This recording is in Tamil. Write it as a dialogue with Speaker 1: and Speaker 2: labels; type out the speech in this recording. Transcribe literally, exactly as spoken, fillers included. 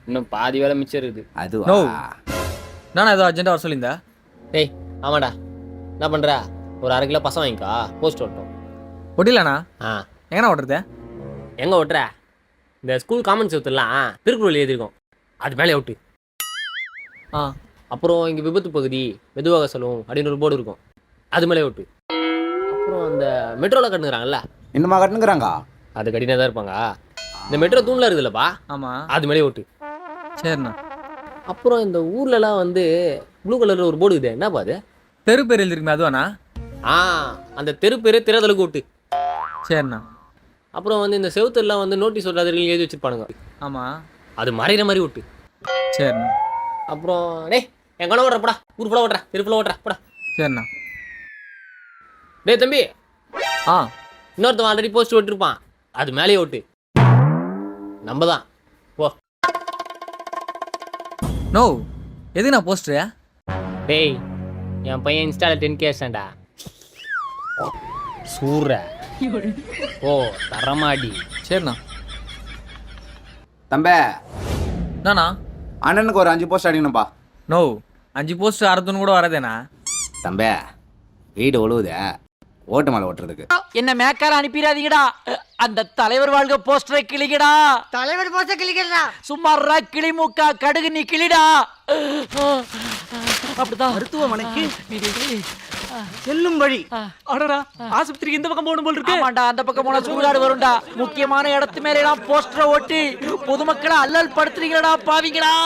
Speaker 1: இன்னும் பாதி வேலை மிச்சம் இருக்குது.
Speaker 2: அது
Speaker 3: நோ நானா ஏதோ அர்ஜென்ட்டாக வர சொல்லியிருந்தா?
Speaker 1: டேய் ஆமாடா, என்ன பண்ணுற? ஒரு அரை கிலோ பசம் வாங்கிக்கா, போஸ்ட் ஓட்டும்.
Speaker 3: ஒட்டிலாண்ணா
Speaker 1: ஆ
Speaker 3: எங்கண்ணா ஓட்டுறது?
Speaker 1: எங்கே ஓட்டுற? இந்த ஸ்கூல் காமன் செவத்துலாம் திருக்குறள் எழுதியிருக்கோம், அது மேலே ஓட்டு.
Speaker 3: ஆ
Speaker 1: அப்புறம் இங்கே விபத்து பகுதி மெதுவாக செல்லும் அப்படின்னு ஒரு போர்டு இருக்கும், அது மேலே ஓட்டு. அப்புறம் அந்த மெட்ரோவில் கட்டுங்கிறாங்கல்ல,
Speaker 2: இன்னுமா கட்டுங்கிறாங்க?
Speaker 1: அது கட்டினா தான் இருப்பாங்க. இந்த மெட்ரோ தூணில் இருக்குதுல்லப்பா,
Speaker 3: ஆமாம்
Speaker 1: அது மேலே ஓட்டு.
Speaker 3: சரிண்ணா.
Speaker 1: அப்புறம் இந்த ஊர்லலாம் வந்து ப்ளூ கலரில் ஒரு போர்டு இருக்குது, என்னப்பா அது?
Speaker 3: தெரு பேர் எழுதிருக்குமே அதுவாண்ணா?
Speaker 1: ஆ அந்த தெரு பேர் திறதலுக்கு ஓட்டு.
Speaker 3: சரிண்ணா.
Speaker 1: அப்புறம் வந்து இந்த செவுத்தெல்லாம் வந்து நோட்டீஸ் ஓட்டாதவர்கள் எழுதி வச்சிருப்பானுங்க,
Speaker 3: ஆமாம்
Speaker 1: அது மறைகிற மாதிரி ஓட்டு.
Speaker 3: சரிண்ணா.
Speaker 1: அப்புறம் டேய் என் கணவன் ஓட்டுறப்படா, ஊர் ஃபுல்லாக ஓட்டுறா, தெரு ஃபுல்லாக ஓட்டுறா போடா.
Speaker 3: சரிண்ணா.
Speaker 1: டேய் தம்பி,
Speaker 3: ஆ
Speaker 1: இன்னொருத்தவன் ஆல்ரெடி போஸ்ட் ஓட்டிருப்பான், அது மேலேயே ஓட்டு. நம்ம தான் போ.
Speaker 3: நோ எதுக்குண்ணா போஸ்டரு?
Speaker 1: டேய் என் பையன் இன்ஸ்டாவில் டென் கே அடிச்சான்டா, சூற ஓ தரமாடி.
Speaker 3: சரிண்ணா.
Speaker 2: தம்பே,
Speaker 3: நானா
Speaker 2: அண்ணனுக்கு ஒரு அஞ்சு போஸ்ட் அடிக்கணும்பா.
Speaker 3: நோ அஞ்சு போஸ்ட் அறுத்துன்னு கூட வரதேண்ணா.
Speaker 2: தம்பே, வீடு ஒழுகுதே, ஓட்டு மேலே ஓட்டுறதுக்கு.
Speaker 4: என்ன மேக்கார அனுப்பிடாதீங்கடா, அந்த தலைவர் வாழ்க போஸ்டரை கிளிக்கடா.
Speaker 5: தலைவர் போஸ்டர் கிளிக்கிறா
Speaker 4: சும்மாறா கிளி மூக்கா கடுகு நீ கிளிடா. அப்படிதான்
Speaker 5: மருத்துவமனைக்கு செல்லும் வழி.
Speaker 4: அடடா, ஆஸ்பத்திரிக்கு இந்த பக்கம் போகணும் போல் இருக்கு. ஆமாண்டா, அந்த பக்கம் போனா சுடுகாடு வரும்டா. முக்கியமான இடத்து மேல எல்லாம் போஸ்டரை ஒட்டி பொதுமக்களை அல்லல் படுத்துறீங்களா பாவீங்களா?